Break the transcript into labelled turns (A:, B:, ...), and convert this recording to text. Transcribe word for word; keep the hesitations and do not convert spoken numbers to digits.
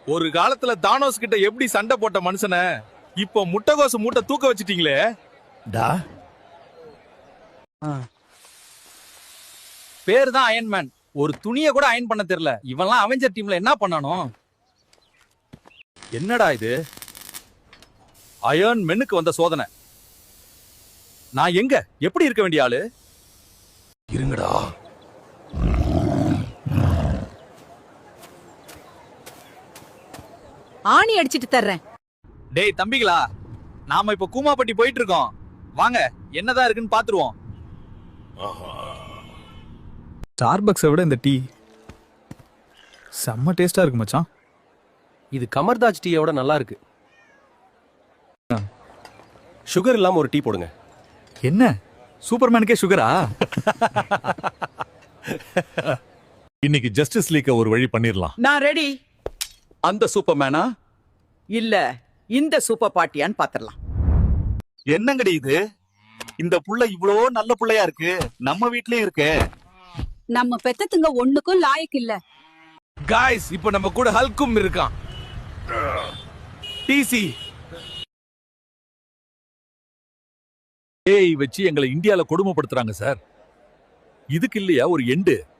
A: ஒரு காலத்துல தானோஸ் கிட்ட எப்படி சண்டை போட்ட மனுஷனை இப்போ முட்டைகோசு மூட்டை தூக்க வச்சிட்டீங்களே.
B: டா
C: பேரு தான் அயன்மேன், ஒரு துணியை கூட அயன் பண்ண தெரியல. இவன்லாம் அவெஞ்சர் டீம்ல என்ன பண்ணானோ?
A: என்னடா இது? அயர்ன் மென்னுக்கு வந்த சோதனை. நான் எங்க எப்படி இருக்க வேண்டிய ஆளு?
B: இருங்கடா.
D: ஆணி அடிச்சிட்டு தர்றேன்.
C: டேய் தம்பிகளா, நாம இப்ப கூமாப்பட்டி போயிட்டு இருக்கோம். வாங்க என்னதான் இருக்குன்னு பாத்துருவோம்.
A: ஸ்டார்பக்ஸை விட இந்த டீ செம்ம டேஸ்டா இருக்கு மச்சான்.
E: இது கமர்தாஜ் டீயோட நல்லா இருக்கு. சுகர் இல்லாம ஒரு டீ போடுங்க.
A: என்ன சூப்பர்மேனுக்கே சுகரா?
B: இன்னைக்கு ஜஸ்டிஸ் லீக்க ஒரு வழி பண்ணிரலாம்.
F: நான் ரெடி.
C: அந்த சூப்பர்மேனா
F: இல்ல இந்த சூப்பர் பார்ட்டியான்னு பாத்திரலாம்.
A: என்னங்கடி இது? இந்த புள்ள இவ்வளோ நல்ல புள்ளையா இருக்கு, நம்ம வீட்லயே இருக்கு.
D: நம்ம பெத்தத்துங்க ஒண்ணுக்கும் லாயக்கு இல்ல.
A: காய்ஸ், இப்ப நம்ம கூட ஹல்கும் இருக்கான். டிசி ஏய் வச்சு எங்களை இந்தியால கொடுமைப்படுத்துறாங்க சார். இதுக்கு இல்லையா ஒரு எண்டு?